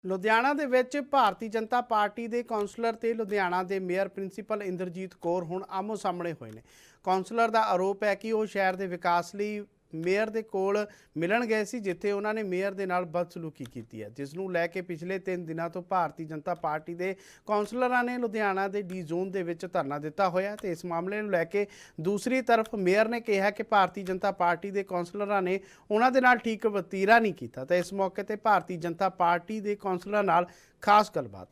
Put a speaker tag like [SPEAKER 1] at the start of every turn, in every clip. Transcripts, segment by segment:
[SPEAKER 1] ਲੁਧਿਆਣਾ ਦੇ ਵਿੱਚ ਭਾਰਤੀ ਜਨਤਾ ਪਾਰਟੀ ਦੇ ਕੌਂਸਲਰ ਤੇ ਲੁਧਿਆਣਾ ਦੇ ਮੇਅਰ ਪ੍ਰਿੰਸੀਪਲ ਇੰਦਰਜੀਤ ਕੌਰ ਹੁਣ ਆਮੋ ਸਾਹਮਣੇ ਹੋਏ ਨੇ। ਕੌਂਸਲਰ ਦਾ ਆਰੋਪ ਹੈ ਕਿ ਉਹ ਸ਼ਹਿਰ ਦੇ ਵਿਕਾਸ ਲਈ ਮੇਅਰ ਦੇ ਕੋਲ ਮਿਲਣ ਗਏ ਸੀ, ਜਿੱਥੇ ਉਹਨਾਂ ਨੇ ਮੇਅਰ ਦੇ ਨਾਲ ਬਦਸਲੂਕੀ ਕੀਤੀ ਹੈ, ਜਿਸ ਨੂੰ ਲੈ ਕੇ ਪਿਛਲੇ 3 ਦਿਨਾਂ ਤੋਂ ਭਾਰਤੀ ਜਨਤਾ ਪਾਰਟੀ ਦੇ ਕੌਂਸਲਰਾਂ ਨੇ ਲੁਧਿਆਣਾ ਦੇ ਡੀ ਜ਼ੋਨ ਦੇ ਵਿੱਚ ਧਰਨਾ ਦਿੱਤਾ ਹੋਇਆ। ਤੇ ਇਸ ਮਾਮਲੇ ਨੂੰ ਲੈ ਕੇ ਦੂਸਰੀ ਤਰਫ ਮੇਅਰ ਨੇ ਕਿਹਾ ਕਿ ਭਾਰਤੀ ਜਨਤਾ ਪਾਰਟੀ ਦੇ ਕੌਂਸਲਰਾਂ ਨੇ ਉਹਨਾਂ ਦੇ ਨਾਲ ਠੀਕ ਵਤੀਰਾ ਨਹੀਂ ਕੀਤਾ। ਤਾਂ ਇਸ ਮੌਕੇ ਤੇ ਭਾਰਤੀ ਜਨਤਾ ਪਾਰਟੀ ਦੇ ਕੌਂਸਲਰਾਂ ਨਾਲ ਖਾਸ ਗੱਲਬਾਤ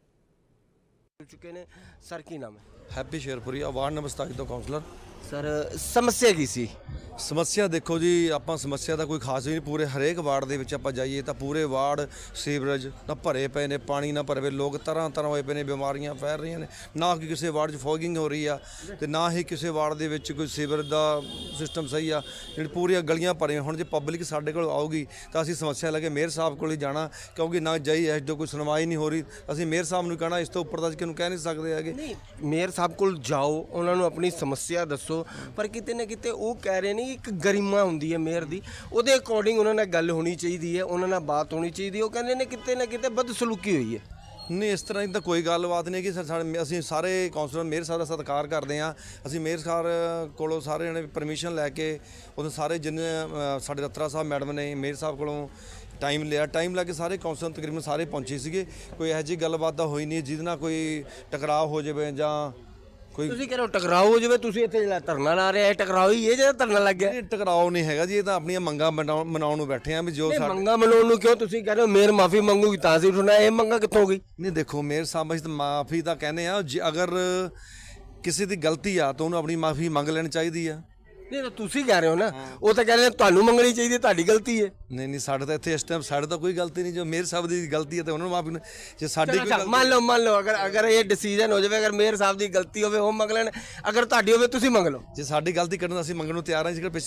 [SPEAKER 2] चुके ने सर की नाम है
[SPEAKER 3] हैप्पी शेरपुरी वार्ड नंबर 27 ਤੋਂ ਕਾਉਂਸਲਰ।
[SPEAKER 2] सर समस्या की सी
[SPEAKER 3] ਸਮੱਸਿਆ ਦੇਖੋ ਜੀ, ਆਪਾਂ ਸਮੱਸਿਆ ਦਾ ਕੋਈ ਖਾਸ ਨਹੀਂ, ਪੂਰੇ ਹਰੇਕ ਵਾਰਡ ਦੇ ਵਿੱਚ ਆਪਾਂ ਜਾਈਏ ਤਾਂ ਪੂਰੇ ਵਾਰਡ ਸੀਵਰੇਜ ਨਾ ਭਰੇ ਪਏ ਨੇ, ਪਾਣੀ ਨਾ ਭਰੇ, ਲੋਕ ਤਰ੍ਹਾਂ ਤਰ੍ਹਾਂ ਹੋਏ ਪਏ ਨੇ, ਬਿਮਾਰੀਆਂ ਫੈਲ ਰਹੀਆਂ ਨੇ। ਨਾ ਕਿ ਕਿਸੇ ਵਾਰਡ 'ਚ ਫੋਗਿੰਗ ਹੋ ਰਹੀ ਆ ਤੇ ਨਾ ਹੀ ਕਿਸੇ ਵਾਰਡ ਦੇ ਵਿੱਚ ਕੋਈ ਸੀਵਰ ਦਾ ਸਿਸਟਮ ਸਹੀ ਆ। ਜਿਹੜੀ ਪੂਰੀਆਂ ਗਲੀਆਂ ਭਰੀਆਂ। ਹੁਣ ਜੇ ਪਬਲਿਕ ਸਾਡੇ ਕੋਲ ਆਊਗੀ ਤਾਂ ਅਸੀਂ ਸਮੱਸਿਆ ਲੈ ਕੇ ਮੇਅਰ ਸਾਹਿਬ ਕੋਲ ਹੀ ਜਾਣਾ, ਕਿਉਂਕਿ ਨਾ ਜਾਈ ਐਸ ਜੋ ਕੋਈ ਸੁਣਵਾਈ ਨਹੀਂ ਹੋ ਰਹੀ। ਅਸੀਂ ਮੇਅਰ ਸਾਹਿਬ ਨੂੰ ਕਹਿਣਾ, ਇਸ ਤੋਂ ਉੱਪਰ ਤਾਂ ਕਿਹਨੂੰ ਕਹਿ ਨਹੀਂ ਸਕਦੇ ਹੈਗੇ।
[SPEAKER 2] नहीं मेयर साहब को जाओ, उन्होंने अपनी समस्या दसो, पर किते ना किते वो कह रहे ने एक गरिमा होंदी है मेयर दी, ਉਹਦੇ अकॉर्डिंग उन्होंने गल होनी चाहिए है, उन्होंने बात होनी चाहिए। वो कहते ने किते ना किते बदसलूकी हुई है।
[SPEAKER 3] ਨਹੀਂ, ਇਸ ਤਰ੍ਹਾਂ ਦੀ ਤਾਂ ਕੋਈ ਗੱਲਬਾਤ ਨਹੀਂ ਕਿ ਅਸੀਂ ਸਾਰੇ ਕੌਂਸਲਰ ਮੇਅਰ ਸਾਹਿਬ ਦਾ ਸਤਿਕਾਰ ਕਰਦੇ ਹਾਂ। ਅਸੀਂ ਮੇਅਰ ਸਾਹਿਬ ਕੋਲੋਂ ਸਾਰੇ ਜਣੇ ਪਰਮਿਸ਼ਨ ਲੈ ਕੇ ਉਦੋਂ ਸਾਰੇ ਜਿੰਨੇ ਸਾਡੇ ਰੱਤਰਾ ਸਾਹਿਬ ਮੈਡਮ ਨੇ ਮੇਅਰ ਸਾਹਿਬ ਕੋਲੋਂ ਟਾਈਮ ਲਿਆ, ਟਾਈਮ ਲੈ ਕੇ ਸਾਰੇ ਕੌਂਸਲਰ ਤਕਰੀਬਨ ਸਾਰੇ ਪਹੁੰਚੇ ਸੀਗੇ। ਕੋਈ ਇਹੋ ਜਿਹੀ ਗੱਲਬਾਤ ਤਾਂ ਹੋਈ ਨਹੀਂ ਜਿਹਦੇ ਨਾਲ ਕੋਈ ਟਕਰਾਅ ਹੋ ਜਾਵੇ ਜਾਂ ਕੋਈ
[SPEAKER 2] ਤੁਸੀਂ ਕਹਿੰਦੇ ਹੋ ਟਕਰਾਓ ਹੋ ਜਾਵੇ, ਤੁਸੀਂ ਇੱਥੇ ਜਿਹੜਾ ਧਰਨਾ ਲਾ ਰਹੇ ਆ ਟਕਰਾਓ ਹੀ ਹੈ ਜਿਹੜਾ ਧਰਨਾ ਲੱਗ ਗਿਆ।
[SPEAKER 3] ਨਹੀਂ, ਟਕਰਾਅ ਨਹੀਂ ਹੈਗਾ ਜੀ, ਇਹ ਤਾਂ ਆਪਣੀਆਂ ਮੰਗਾਂ ਮਨਾਉਣ ਨੂੰ ਬੈਠੇ ਆ ਵੀ ਜੋ
[SPEAKER 2] ਇਹ ਮੰਗਾ ਮਨਾਉਣ ਨੂੰ ਕਿਉਂ ਤੁਸੀਂ ਕਹਿੰਦੇ ਹੋ ਮੇਅਰ ਮਾਫੀ ਮੰਗੂਗੀ ਤਾਂ ਸੀ ਉਠਣਾ, ਇਹ ਮੰਗਾ ਕਿੱਥੋਂ ਗਈ?
[SPEAKER 3] ਨਹੀਂ ਦੇਖੋ, ਮੇਅਰ ਸਾਹਿਬ ਅਸੀਂ ਤਾਂ ਮਾਫੀ ਤਾਂ ਕਹਿੰਦੇ ਆ, ਅਗਰ ਕਿਸੇ ਦੀ ਗਲਤੀ ਆ ਤਾਂ ਉਹਨੂੰ ਆਪਣੀ ਮਾਫੀ ਮੰਗ ਲੈਣੀ ਚਾਹੀਦੀ ਆ।
[SPEAKER 2] ਨਹੀਂ ਤਾਂ ਤੁਸੀਂ ਕਹਿ ਰਹੇ ਹੋ ਨਾ, ਉਹ ਤਾਂ ਕਹਿ ਰਹੇ ਨੇ ਤੁਹਾਨੂੰ ਮੰਗਣੀ ਚਾਹੀਦੀ ਹੈ, ਤੁਹਾਡੀ ਗਲਤੀ ਹੈ।
[SPEAKER 3] ਨਹੀਂ ਸਾਡੇ ਤਾਂ ਇੱਥੇ ਇਸ ਟਾਈਮ ਸਾਡੇ ਤਾਂ ਕੋਈ ਗਲਤੀ ਨਹੀਂ। ਜੋ ਮੇਅਰ ਸਾਹਿਬ ਦੀ ਗਲਤੀ ਹੈ ਤਾਂ ਉਹਨਾਂ ਨੂੰ ਮਾਫੀ, ਜੇ ਸਾਡੀ ਕੋਈ
[SPEAKER 2] ਮੰਨ ਲਓ ਅਗਰ ਇਹ ਡਿਸੀਜਨ ਹੋ ਜਾਵੇ, ਅਗਰ ਮੇਅਰ ਸਾਹਿਬ ਦੀ ਗਲਤੀ ਹੋਵੇ ਉਹ ਮੰਗ ਲੈਣ, ਅਗਰ ਤੁਹਾਡੀ ਹੋਵੇ ਤੁਸੀਂ ਮੰਗ ਲਓ।
[SPEAKER 3] ਜੇ ਸਾਡੀ ਗਲਤੀ ਕਰਨ ਅਸੀਂ ਮੰਗਣ ਨੂੰ ਤਿਆਰ ਹਾਂ। ਜੇਕਰ